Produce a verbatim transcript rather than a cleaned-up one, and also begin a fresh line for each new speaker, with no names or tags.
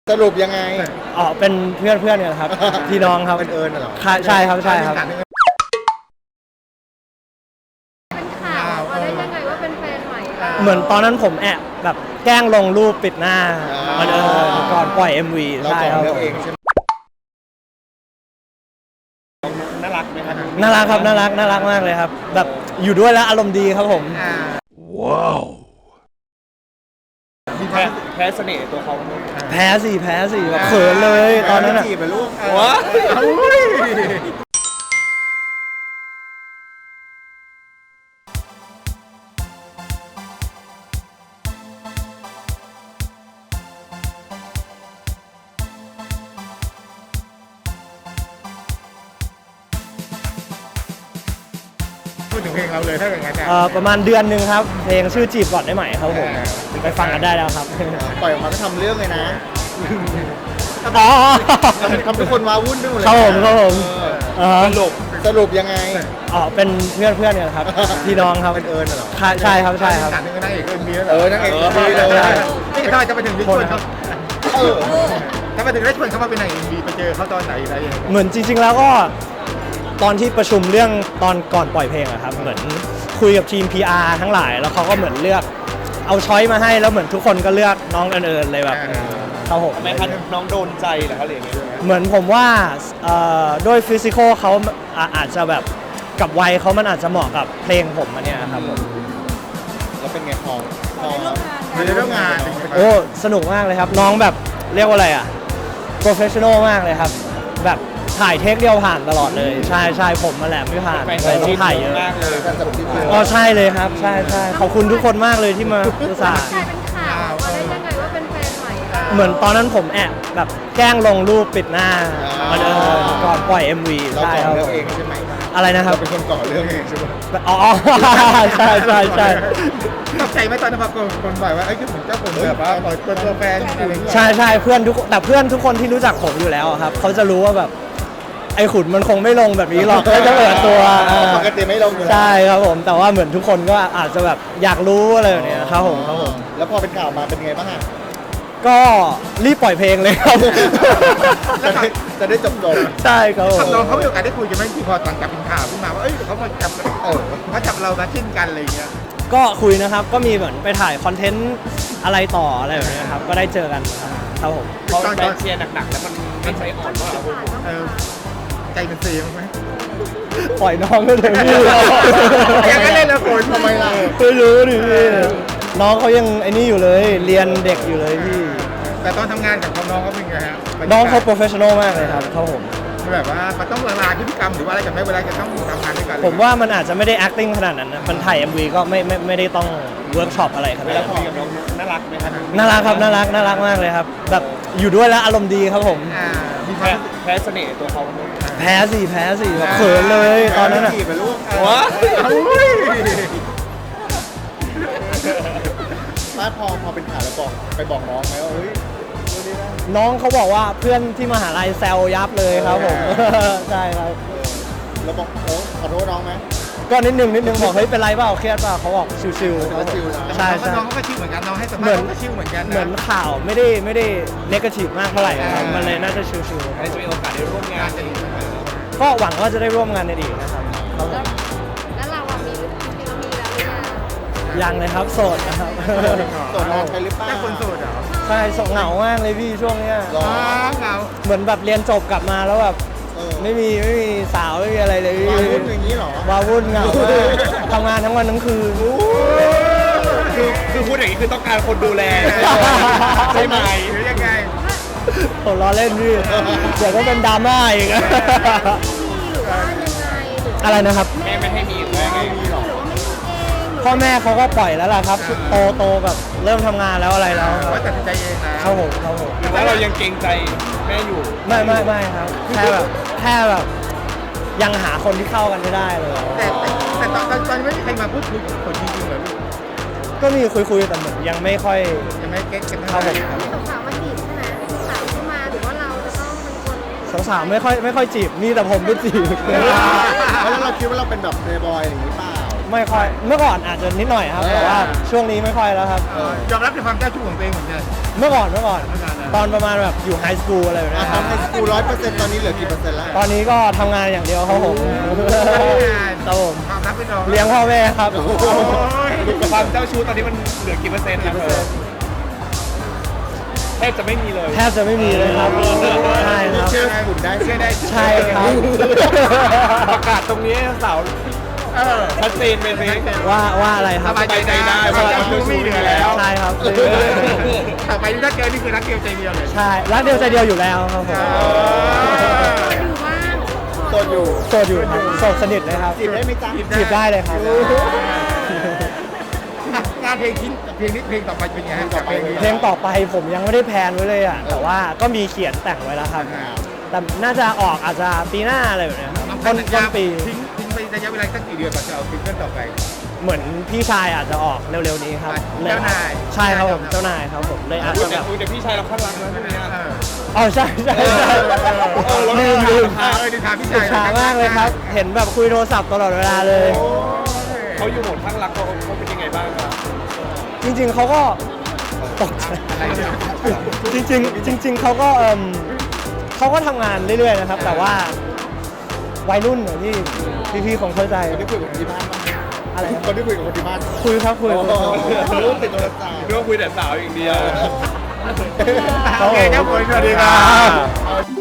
สรุปยังไง
อ๋อเป็นเพื่อนเพื่อนกันครับพี่น้องครับ
เป็นเอิญเหรอ
ใช่ครับใช่ครับ
เป็นข่าวมาได้ยังไงว่าเป็นแฟนใหม่
เหมือนตอนนั้นผมแอบแบบแกล้งลงรูปปิดหน้ามันเออก่อนปล่อย เอ็ม วี
เรา
ใช่
จอง
ครับ
เลือกเองใช่ไหมน่ารักไหมครับ
น่ารักครับน่ารักน่ารักมากเลยครับแบบอยู่ด้วยแล้วอารมณ์ดีครับผม
ว้าวแพ้แพ้เสน่ห์ตัวเขา
แพ้สิแพ้สิแบบเขินเลยตอนนั้นอ่ะ
จีบไปลูกว้าพูดถึงเพลงเราเลยถ้าอย่างนั้น
เอ่อประมาณเดือนหนึ่งครับเพลงชื่อจีบก่อนได้ไหมครับผมไปฟังกันได้แล้วครับ
ปล่อยออกมาก็ทำเรื่องเลยนะ
อ๋อ
ทำให้คนว้าวุ่นด้วยเลย
ครับผมครับผม
สรุปสรุปยังไง
อ๋อเป็นเพื่อนเพื่อนกันครับพี่น้องครับ
เป็นเอิญเหรอ
ใช่ครับใช่ครับ
นางเอกเอิญมีแล้วเออนางเอกเอิญมีเลยนี่ทำไมจะไปถึงได้ชวนเขาเออทำไมถึงได้ชวนเขามาเป็นนางเอกมีไปเจอเขาตอนไหนอะไรอย่างเงี้ย
เหมือนจริงๆแล้วก็ตอนที่ประชุมเรื่องตอนก่อนปล่อยเพลงอะครับเหมือนคุยกับทีม พี อาร์ ทั้งหลายแล้วเขาก็เหมือนเลือกเอาช้อยมาให้แล้วเหมือนทุกคนก็เลือกน้องเอิญๆเลยแบบเขาผม
ทำไมคะน้องโดนใจเหรอเขาเลยอย่างเงี้ย
เหมือนผมว่าด้วยฟิสิกอลเขาอาจจะแบบกับวัยเขามันอาจจะเหมาะกับเพลงผมอันเนี้ยครับผม
แล้วเป็นไงพอพอในเรื่องงาน
โอ้สนุกมากเลยครับน้องแบบเรียกว่าอะไรอะโปรเฟชชั่นอลมากเลยครับแบบถ่ายเทคเดียวผ่านตลอดเลยใช่ใช่ผมมาแหละไม่ผ่านแต่ต้องถ่ายเยอะ
มากเลย
อ๋อใช่เลยครับใช่ใช่ขอบคุณทุกคนมากเลยที่มาอุตส่าห์
กลายเป็นข่าวมาได้ยังไงว่าเป็นแฟนใหม่
เหมือนตอนนั้นผมแอบแบบแกล้งลงรูปปิดหน้ามันเออก่อนปล่อย เอ็ม วี
เรา
ใช่ครับ
เลือกเองใช่ไหม
อะไรนะครับ
เราเป็นคนก่อเรื่องเองใช่ไหม
อ๋อใช่ใช่ใช่
ตกใจไหมตอนนั้นพอคนบอกว่าไอ้คือผมเจ้าผมแบบว่าเปิดตัวแฟนอะไรอย่างเงี้ย
ใช่ใช่เพื่อนทุกแต่เพื่อนทุกคนที่รู้จักผมอยู่แล้วครับเขาจะรู้ว่าแบบไอ้ขุนมันคงไม่ลงแบบนี้หรอกก็จะเปิดตัว
ปกติไม่ลง
ใช่ครับผมแต่ว่าเหมือนทุกคนก็อาจจะแบบอยากรู้อะไรแบบนี้ครับผมครับผม
แล้วพอเป็นข่าวมาเป็นไงบ้างอ่ะ
ก็รีบปล่อยเพลงเลยครับ
จะได้จบจบ
ใช่ครับผม
น้องเขามีโอกาสได้คุยกันไหมที่พอตอนจับเป็นข่าวขึ้นมาว่าเอ้ยเขามาจับเออเขาจับเรามาชิ้นกันอะไรอย่างเงี้ย
ก็คุยนะครับก็มีเหมือนไปถ่ายคอนเทนต์อะไรต่ออะไรแบบนี้ครับก็ได้เจอกันครับผม
ตอนตอนเชียร์หนักๆแล้วมันมันใจอ่อนว่าเออใจมันเสียมั้ย
ปล่อยน้องก็เลยพี่
ยังไม่เล่นแล้วคนทำไมล่ะ
ไม่รู้ดิพี่น้องเขายังไอ้นี่อยู่เลยเรียนเด็กอยู่เลยพี่
แต่ตอนทำงานกับน้องเขาเป็นไงฮะ
น้องเขาโปรเฟชชั่นอลมากเลยครับครับผม
แบบว่ามันต้องละลายพฤติกรรมหรือว่าอะไรกันไหมเวลาจะต้องทำงานด้วยกัน
ผมว่ามันอาจจะไม่ได้ acting ขนาดนั้นนะมันถ่าย เอ็ม วี ก็ไม่ไม่ไม่ได้ต้องเวิร์กช็อปอะไรขนาดนั้น
แล้วคุยกับน้องน่ารักไหมครับ
น่ารักครับน่ารักน่ารักมากเลยครับแบบอยู่ด้วยแล้วอารมณ์ดีครับผม
แพ้แพ้เสน่ห์ตัวเขา
แพ้สิแพ้สิแบบเขินเลยตอนนั้นอ่ะ
จีบไปลูกว้าถ้าพอพอเป็นข่าวแล้วบอกไปบอกน้องไหมว่าเฮ้ย
น้องเขาบอกว่าเพื่อนที่มหาลัยแซวยับเลยครับผมใช่ครับ
แล้วบอกโอ้ขอโทษน้องไหม
ก็นิดนึงนิดนึงบอกเฮ้ยเป็นไรเปล่าเครียดเปล่าเขาบอกชิวๆใช่ใช่
น้องเขาก็ชิวเหมือนกันน้องให้สมาธิก็ชิวเหมือนกัน
เหมือนข่าวไม่ได้ไม่ได้เนกาทีฟมากเท่าไหร่ครับมันเลยน่าจะชิวๆ
จะมีโอกาสได้ร่วมงาน
ก็หวังว่าจะได้ร่วมงานในอีกนะครับ
แล้วเราอ่ะมีมีเรามีแล้วหรือยัง
ยังเลยครับโสดนะครับ
โสดนานไปหรือเปล่าคนโสดเหรอ
ใช่เหงามากเลยพี่ช่วงเนี้ย
เหงา
เหมือนแบบเรียนจบกลับมาแล้วแบบไม่มีไม่มีสาวไม่มีอะไรเลย
ว้าวุ่นอย่างนี้หรอ
ว้าวุ่นเหงาทำงานทั้งวันทั้งคืน
คือคือพูดอย่างนี้คือต้องการคนดูแลใช่ไหมหรือยังไง
ผมล้อเล่นพี่เดี๋ยวก็เป็นดราม่าอีกอะไรนะครับ
แม่ไม่ให้มีแม่ไม่มีหรอ
พ่อแม่เขาก็ปล่อยแล้วล่ะครับโตโตแบบเริ่มทำงานแล้วอะไรแล้ว
ว่าตัดสินใจเองนะ
เขาผมเขาผม
แล้วเรายังเกรงใจแม่อยู่
ไม่ไม่ไม่ครับแค่แบบแค่แบบยังหาคนที่เข้ากันไม่ได้เลย
แต่แต่ตอนตอนไม่มีใครมาพูดคุยกับคนจริงๆเหรอลูก
ก็มีคุยคุยแต่เหมือนยังไม่ค่อย
ยังไม่เก็ตกัน
เท่าไหร่
ครับสาวมาจีบใช่ไหมสาวเข้ามาหรือว่าเราจะต้องเป็นคน
สาวๆไม่ค่อยไม่ค่อยจีบมีแต่ผมไปจีบ
แล้วเราคิดว่าเราเป็นแบบเพลย์บอยอย่างนี้เปล่า
ไม่ค่อยเมื่อก่อนอาจจะนิดหน่อยครับแต่ว่าช่วงนี้ไม่ค่อยแล้วครับ
เออยอมรับในความเจ้าชู้ของตัวเองเหมือนกัน
เมื่อก่อนเมื่อก่อนตอนประมาณแบบอยู่ไฮสคูลอะไรแบบนี้ครับ
ทำให้สกูร้อยเปอร์เซ็นต์ตอนนี้เหลือกี่เปอร์เซ็นต์แล้ว
ตอนนี้ก็ทำงานอย่างเดียวครับผมครับผม
ความรักเป็นรอง
เลี้ยงพ่อแม่ครับ
โอ้ย
ความเจ้าชู้ตอนนี้มันเหลือกี่เปอร์เซ็นต์นะแทบจะไม่มีเลย
แทบจะไม่มีเลยครับใช่ครับ
เชื่อได้บุญได้เชื่อได้
ใช่ครับ
ประกาศตรงนี้ให้สาว
เออ
ชัดเจนไปสิ
ว่าว่าอะไรค
ส
รับ
บายใจได้ว่าเจ้าชู้ไม่เหลือแล้ว
ใช่ครับ
ต่อไปนี่ถ้าเจอนี่คือรักเดียวใจเดียวเลย
ใช่รักเดียวใจเดียวอยู่แล้วครับผม
อยู่ว่าง
โสดอยู่
โสดอยู่ครับโสดสนิทเลยครับ
จีบได้ไหมจ๊ะ
จีบได้เลยครับ
งานเพลงชิ้นเพลงนี้เพลงต่อไปเป็นไงฮะจากเพลงนี้
เพลงต่อไปผมยังไม่ได้แพลนไว้เลยอ่ะแต่ว่าก็มีเขียนแต่งไว้แล้วครับ แต่น่าจะออกอาจจะปีหน้าอะไรแบบเนี้ยครับต้นต้นปี
ทิ้งทิ้งไประยะเวลาสักกี่เดือนก่อนจะเอาซิงเกิลต่อไป
เหมือนพี่ชายอาจจะออกเร็วๆนี้ครับ
เจ้านาย
ใช่ครับผมเจ้านายครับผมเลยอาจ
พูด
จะ
แต่
แบบ
คุยแต่พี่ชายเราข้างรักนะใช่ไหมเนี่ย
เออ
อ๋อใช่ใช่ใช่
เออ
ลืมลืม
เออดิถามพี่ชาย
ช้ามากเลยครับ เห็นแบบคุยโทรศัพท์ตลอดเวลาเลย
เขาอยู่โหมดข้างรักเขาเขาเป็นยังไงบ้างครับ
จริงๆเขาก็ตกใจ
อะไรเนี่ย
จริงๆจริง ๆเขาก็เอมเขาก็ทำงานเรื่อยๆนะครับ แต่ว่าวัยรุ่นอย่างที่พี่ๆคงเข้าใจ
คนที่คุยกับคนที่บ้านบ้างไหม
อะไรครับ
คนที่คุยกับคนที่บ้าน
คุยครับคุยคุยครับ
รู้ติดโทรศัพท์
เรื่องคุยแต่สาวอย่างเดียว
โอเคครับผมสวัสดีครับ